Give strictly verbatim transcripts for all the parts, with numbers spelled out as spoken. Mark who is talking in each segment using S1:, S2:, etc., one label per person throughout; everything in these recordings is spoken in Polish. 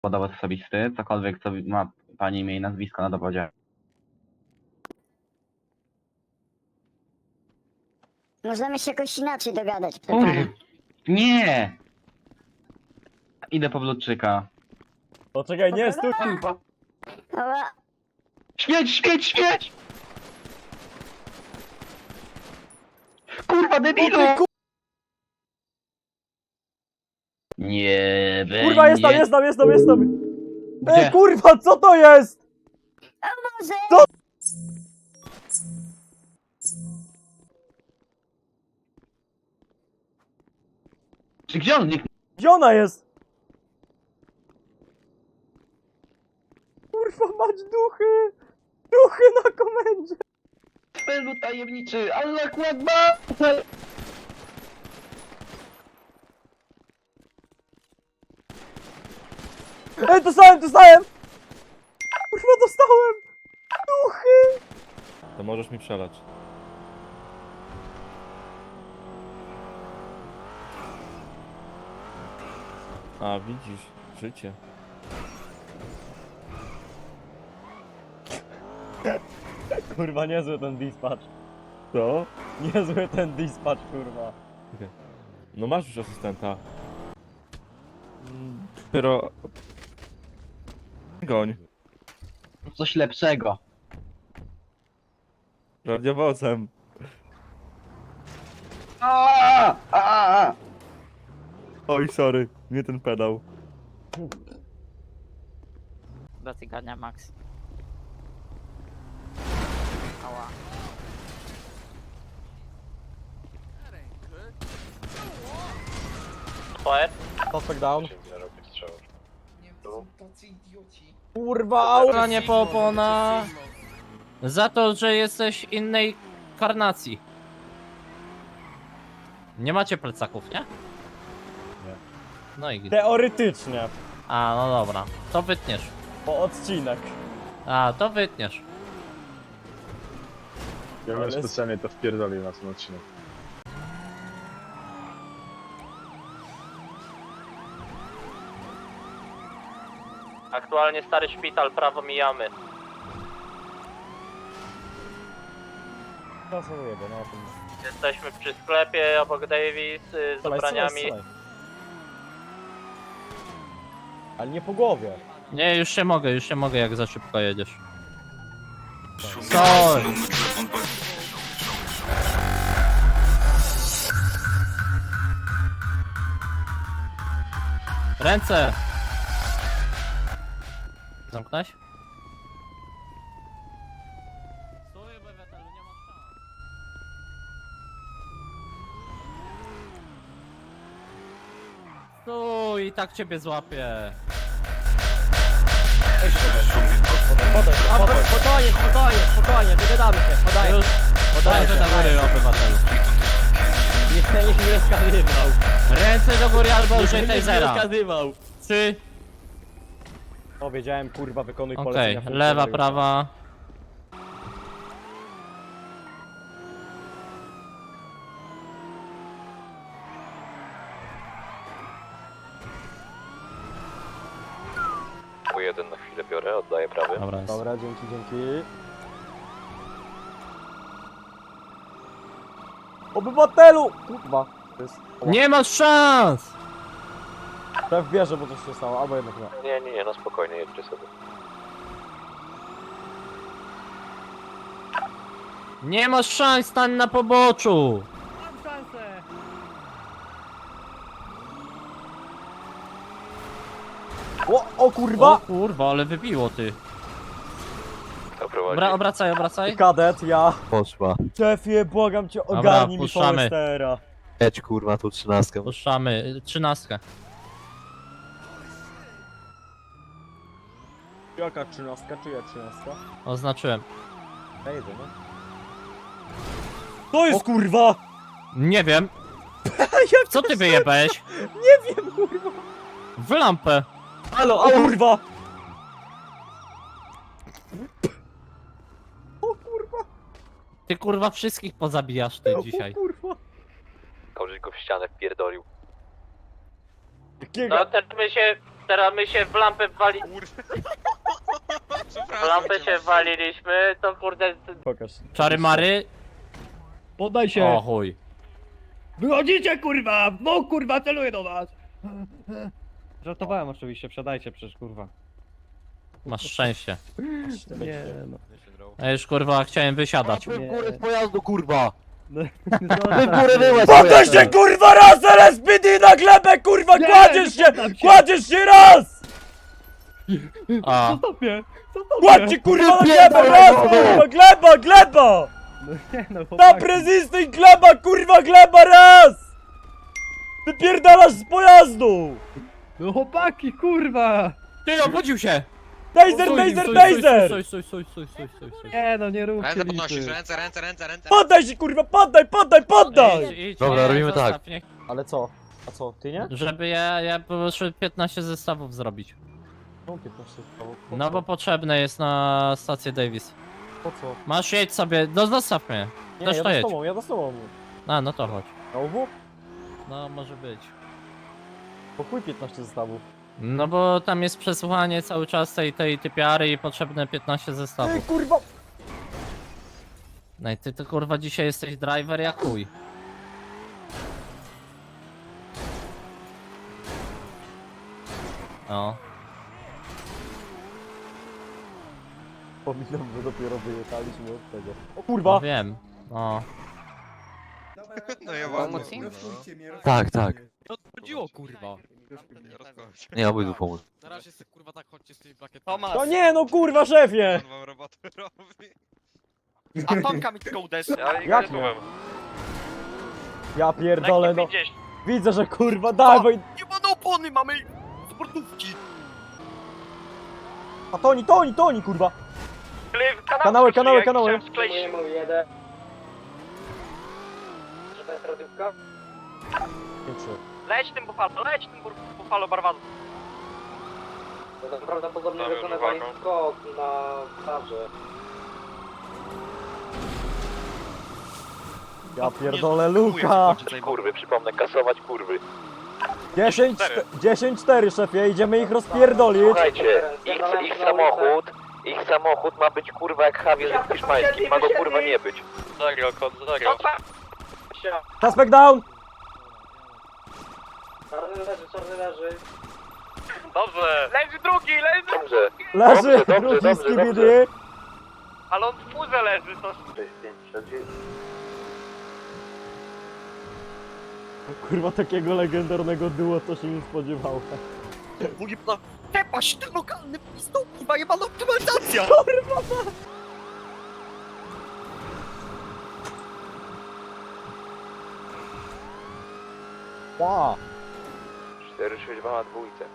S1: Dowód osobisty, cokolwiek co ma pani imię i nazwisko na dowodzie.
S2: Możemy się jakoś inaczej dogadać, proszę
S1: Kur...
S2: pana.
S1: Nie! Idę po Bludczyka.
S3: Poczekaj, nie, stój!
S2: Ała,
S1: Śmieć, śmieć, śmieć! Kurwa, debilu! Nie będzie...
S3: Kurwa, jest tam, jest tam, jest tam, jest tam!
S1: Gdzie?
S3: Ej, kurwa, co to jest?
S2: może...
S3: Co?
S1: Czy gdzie on zniknął?
S3: Gdzie ona jest? Kurwa, mać duchy! Duchy na komendzie!
S1: Spelu tajemniczy, Allah Akbar!
S3: Ej, dostałem, dostałem! Kurwa, dostałem! Duchy!
S4: To możesz mi przelać. A, widzisz, życie.
S3: Kurwa, niezły ten dispatch.
S4: Co?
S3: Niezły ten dispatch, kurwa.
S4: No masz już asystenta. Mm, Dopiero... Goń.
S1: Coś lepszego.
S4: Radiowozem.
S1: Aaaa! Aaaa!
S4: Oj, sorry, nie ten pedał.
S5: Dotykania Max. Ała. Fire.
S3: Suspect down. Kurwa, au!
S5: Strzelanie po opona za to, że jesteś innej karnacji. Nie macie plecaków, nie?
S3: Nie.
S5: No i gdzie?
S3: Teoretycznie.
S5: A, no dobra. To wytniesz.
S3: Po odcinek.
S5: A, to wytniesz.
S6: Ja bym
S3: Ale-
S6: specjalnie to wpierdolił na ten odcinek.
S5: Aktualnie stary szpital, prawo mijamy.
S3: Zasłuję, no o tym.
S5: Jesteśmy przy sklepie obok Davis y, z
S3: Strzelaj,
S5: ubraniami.
S3: strzelaj, strzelaj. Ale nie po głowie.
S5: Nie, już się mogę, już się mogę, jak za szybko jedziesz. Sorry. Ręce! Zamknąć? Stój, obywatelu, nie ma szans. Stój, i tak ciebie złapię.
S3: Podaj, podaj.
S7: Spokojnie, spokojnie, spokojnie, wygadamy się, podaję.
S5: Już
S7: Podaję
S5: ręce do góry, obywatelu.
S7: Nie, nikt mi nie wskazywał.
S5: Ręce do góry albo użyj
S7: Nikt mi nie
S5: tasera.
S7: wskazywał.
S5: Trzy.
S3: Powiedziałem, kurwa, wykonuj
S5: Okej,
S3: polecenia.
S5: lewa,
S3: funkcjonariusza.
S5: prawa.
S8: U jeden na chwilę biorę, oddaję prawy.
S5: Dobra, jest.
S3: Dobra, dzięki, dzięki. Obywatelu! Kurwa. To jest...
S5: Nie masz szans!
S3: Szef bierze, bo coś się stało, albo jednak nie.
S8: Nie, nie, nie, no spokojnie, jedźcie sobie.
S5: Nie masz szans, stań na poboczu!
S7: Mam szansę.
S3: O, o
S5: O
S3: kurwa!
S5: kurwa, ale wybiło ty.
S8: Kto prowadzi?
S5: Dobra, obracaj, obracaj.
S3: Kadet, ja.
S9: Poszła.
S3: Szefie, błagam cię, ogarnij mi
S5: puszczamy.
S3: Forestera.
S9: Jedź kurwa tu trzynastkę.
S5: Puszczamy, trzynastkę.
S3: Jaka trzynastka, czyja trzynastka?
S5: Oznaczyłem.
S3: Ja jedę, no. To jest kurwa!
S5: Nie wiem.
S3: Jak
S5: Co ty wyjebałeś?
S3: Nie wiem, kurwa!
S5: W lampę.
S3: Halo, o kurwa! O kurwa!
S5: Ty kurwa wszystkich pozabijasz ty dzisiaj.
S3: O kurwa!
S8: Koleś go w ścianę wpierdolił.
S3: Jakiego?
S5: No też my się teraz my się w lampę wali... W lampę się waliliśmy, to kurde...
S3: Pokaż.
S5: Czary mary?
S7: Poddaj
S5: O
S7: się!
S5: chuj.
S7: Wychodzicie kurwa! No kurwa, celuję do was! Żartowałem oczywiście, przedajcie przecież kurwa.
S5: Masz szczęście.
S3: Nie no.
S5: Ja już kurwa chciałem wysiadać.
S9: w górę z pojazdu, kurwa!
S3: No,
S9: Ty w górę wyłeź
S4: Poddaj się kurwa raz, L S P D na glebę, kurwa,
S7: Nie,
S4: kładziesz
S7: nie
S4: się!
S7: poddam się.
S4: Kładziesz się raz!
S5: A,
S7: Zostaw mnie! Zostaw
S4: Kładź się kurwa na glebę, raz, kurwa, gleba, gleba!
S7: No nie no,
S4: Na
S7: chłopaki.
S4: prezystuj gleba, kurwa, gleba, raz! Wypierdalasz z pojazdu!
S7: No chłopaki, kurwa!
S5: ty obudził się!
S4: Taser,
S5: Stój,
S4: taser,
S5: stój,
S4: taser!
S5: Stój, stój, stój, stój, stój, stój, stój.
S7: Nie no, nie róbcie
S10: Ręce podnosisz,
S7: liczy.
S10: ręce, ręce, ręce, ręce.
S4: Poddaj się kurwa, poddaj, poddaj, poddaj!
S5: Idź, idź,
S9: Dobra,
S5: nie,
S9: robimy
S5: zostaw,
S9: tak.
S5: Nie,
S3: Ale co? A co, ty nie?
S5: żeby ja, ja proszę piętnaście zestawów zrobić.
S3: No piętnaście stało. Po
S5: No
S3: co?
S5: bo potrzebne jest na stację Davis.
S3: Po co?
S5: Masz jedź sobie, no zostaw mnie.
S3: Nie,
S5: Też
S3: ja
S5: to
S3: z
S5: jedź.
S3: tobą, ja z tobą.
S5: A, no to chodź.
S3: Na obu?
S5: No może być.
S3: Po chuj piętnaście zestawów.
S5: No bo tam jest przesłuchanie cały czas tej, tej typiary i potrzebne piętnaście
S3: Ej
S5: zestawów.
S3: kurwa!
S5: No i ty to kurwa dzisiaj jesteś driver jak chuj. O.
S3: Pominam, że dopiero wyjechaliśmy od tego. O
S5: No
S3: kurwa!
S5: wiem. O.
S10: No ja mam
S9: Tak, tak.
S7: Co chodziło kurwa?
S9: Nie, obydwu pomóc.
S7: Na razie sobie kurwa tak chodźcie z tymi plakietami.
S10: Tomasz!
S3: No nie no kurwa szefie!
S10: On wam robotę robi.
S7: A Tomka mi tylko uderzy.
S3: Jak nie? Ja pierdolę no. Widzę, że kurwa dawaj!
S7: Nie ma opony, mamy sportówki.
S3: A Toni, Toni, Toni kurwa! Kanały, kanały, kanały! Nie trzy.
S7: Leć tym bufalo, leć tym bufalo barwadu.
S10: Prawdopodobnie wykonywali
S7: skok na parze.
S3: Ja pierdolę Luka!
S8: Kurwy, przypomnę, kasować kurwy.
S3: dziesięć cztery szefie, idziemy ich rozpierdolić!
S8: Słuchajcie, ich, ich samochód, ich samochód ma być kurwa jak Javier w hiszpańskim, ma go kurwa nie być.
S10: Zagrał, kod, zagrał.
S3: Suspect down!
S7: Czarny leży, czarny leży. Dobrze. Leży drugi, leży,
S8: Dobrze.
S3: Leży!
S8: Dobrze, dobrze,
S3: Drugi
S8: dobrze,
S3: skibidi!
S7: ale on w furze leży, to...
S3: Kurwa takiego legendarnego duo to się nie spodziewałem.
S7: Mówi pana, tepaś, ten lokalny pistol, kurwa, jebana optymalizacja!
S3: Ła!
S8: cztery sześć dwa na dwójce.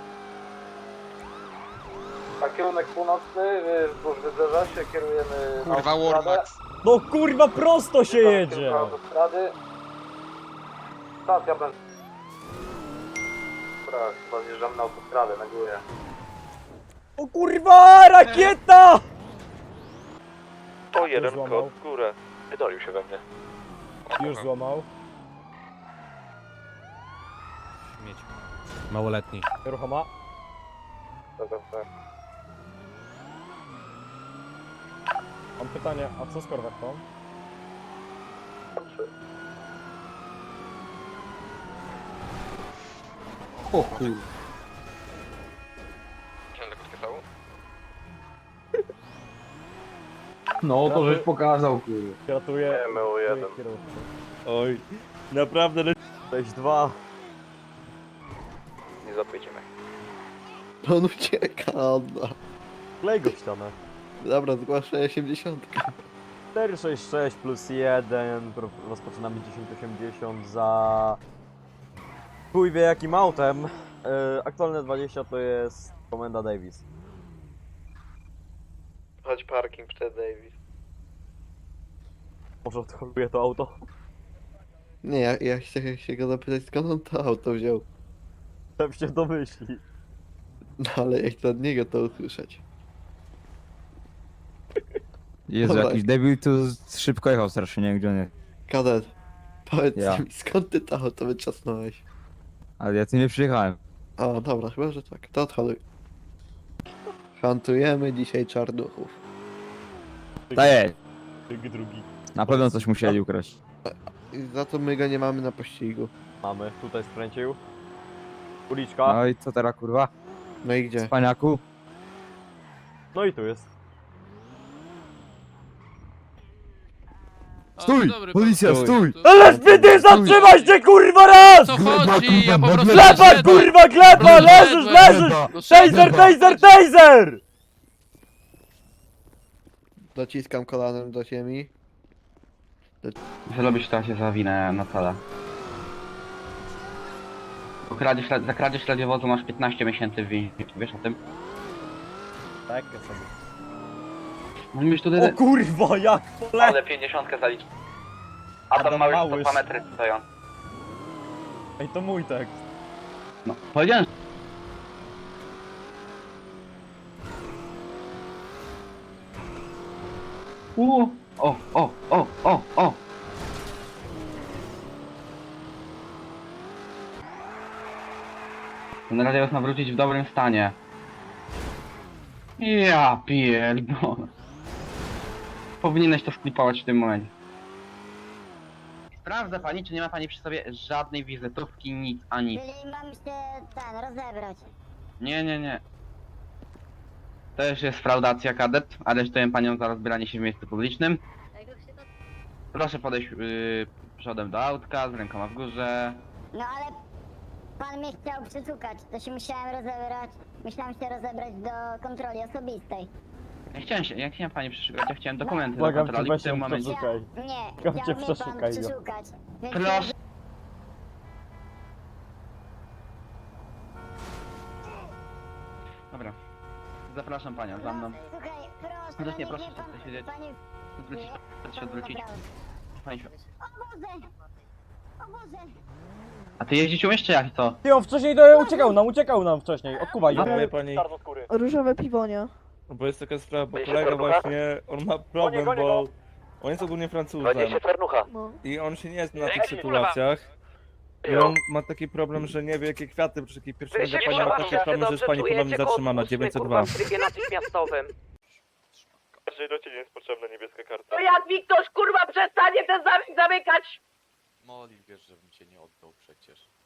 S6: A kierunek północny, wzdłuż wybrzeża się kierujemy na
S10: Kurwa,
S6: autostradę.
S10: Warmax.
S3: No kurwa prosto się jedzie!
S6: Na autostrady. Stacja będzie. Dobra, chyba zjeżdżamy na autostradę, na górę.
S3: O kurwa, rakieta!
S8: To jeden
S3: złamał.
S8: kod w górę. Wydolił się we mnie.
S3: Już złamał.
S5: Mieć. Małoletni.
S3: Ruchoma.
S6: Dobra, tak.
S3: Mam pytanie, a co z korwetą?
S9: O chuj.
S6: No, to żeś pokazał, kurwa.
S3: Gratuluję.
S6: M O jeden.
S4: Oj, naprawdę le...
S3: sześć dwa.
S8: Nie zapytajcie mnie.
S9: On ucieka, Anna.
S3: Klej go w ścianę.
S9: Dobra, zgłaszaj osiemdziesiąt.
S3: cztery sześć sześć plus jeden. Rozpoczynamy dziesięć osiemdziesiąt za... Chuj wie jakim autem. Yy, aktualne dwadzieścia to jest komenda Davis.
S8: Chodź parking przed Davis.
S3: Może odholuje to auto?
S9: Nie, ja, ja chciałem się go zapytać, skąd on to auto wziął.
S3: Tam się domyśli.
S9: No ale ja chcę od niego to usłyszeć.
S11: Jezu,
S9: Dobra.
S11: jakiś debil tu szybko jechał strasznie, nie wiem gdzie on jest.
S9: Kadet, powiedz
S11: Ja.
S9: mi, skąd ty to auto wyczasnąłeś?
S11: Ale ja tu nie przyjechałem.
S9: O, dobra, chyba, że tak. To odhaluj. Hantujemy dzisiaj czarnuchów.
S11: Daję.
S3: Drugi.
S11: Na pewno coś musieli ukraść.
S9: I za to my go nie mamy na pościgu.
S3: Mamy, tutaj skręcił. Uliczka.
S11: No i co teraz kurwa?
S9: No i gdzie?
S11: Spaniaku?
S3: No i tu jest.
S11: Stój! Policja, stój!
S4: Ale spity, zatrzymaj się kurwa raz!
S5: Co chodzi? Ja po prostu
S4: Gleba
S5: wyszedłem.
S4: kurwa, gleba, leżysz, leżysz! Taser, taser, taser!
S9: Dociskam kolanem do ziemi.
S1: Zrobisz to, ja się zawinę na cele. Za kradzież, za kradzież radiowozu masz piętnaście miesięcy w więzieniu, wiesz o tym?
S3: Tak, ja sobie.
S1: Mówisz tutaj...
S4: O kurwa, jak pole...
S1: Ale pięćdziesiątkę zalicz. Adam
S3: Adam
S1: Mały sto
S3: Małysz.
S1: dwa metry stoją.
S3: Ej, to mój tekst.
S1: No, powiedziałem. Uuu, o, o, o, o, o. Ten radiowóz ma wrócić w dobrym stanie. Ja pierdolę. Powinieneś to sklipować w tym momencie. Sprawdza pani, czy nie ma pani przy sobie żadnej wizytówki, nic, a nic.
S2: Czyli mam się ten, rozebrać.
S1: Nie, nie, nie. To już jest fraudacja, kadet. Aresztuję panią za rozbieranie się w miejscu publicznym. Proszę podejść yy, przodem do autka, z rękoma w górze.
S2: No ale pan mnie chciał przeszukać, to się musiałem rozebrać. Musiałem się rozebrać do kontroli osobistej.
S1: Ja chciałem się, ja chciałem pani przeszukać, ja chciałem dokumenty
S3: Błagam
S1: do
S3: cię,
S1: kontroli
S3: weź
S1: w tym
S3: ją
S1: momencie.
S3: przeszukaj.
S2: Nie,
S3: Chciał
S2: chciał
S3: cię
S2: mnie pan
S3: przeszukaj, no.
S2: przeszukać. Więc
S1: Proszę. Dobra. Zapraszam panią, za mną.
S2: Słuchaj, proszę,
S1: Chociaż
S2: no
S1: nie,
S2: niech
S1: proszę
S2: mnie pan,
S1: się siedzieć.
S2: pani...
S1: Odwrócić, proszę się
S2: pan
S1: odwrócić.
S2: naprawdę.
S1: Pani się...
S2: O Boże! O Boże!
S1: A ty jeździć umiesz czy jak to?
S4: Ty, on wcześniej to uciekał nam, uciekał nam wcześniej. Odkuwaj go.
S7: Dziękuję pani.
S4: Czarnoskóry.
S7: Różowe piwonia.
S11: Bo jest taka sprawa, bo
S8: Będzie
S11: kolega
S8: serducha?
S11: właśnie, on ma
S4: Gonię,
S11: problem,
S4: gonię
S11: bo
S4: go.
S11: on jest ogólnie Francuzem
S8: dwadzieścia farnucha.
S7: No.
S11: i on się nie zna na tych
S8: Ej,
S11: sytuacjach. I on ma taki problem, że nie wie jakie kwiaty, przy jakiej pierwszej razie pani ma taki problem, że jest pani ponownie zatrzymana, dziewięćset dwa.
S8: natychmiastowym.
S10: Każdej rocie nie jest potrzebna niebieska karta.
S8: To jak mi ktoś kurwa przestanie ten zamyk zamykać?
S10: Moli, wiesz, żebym cię nie oddał przecież.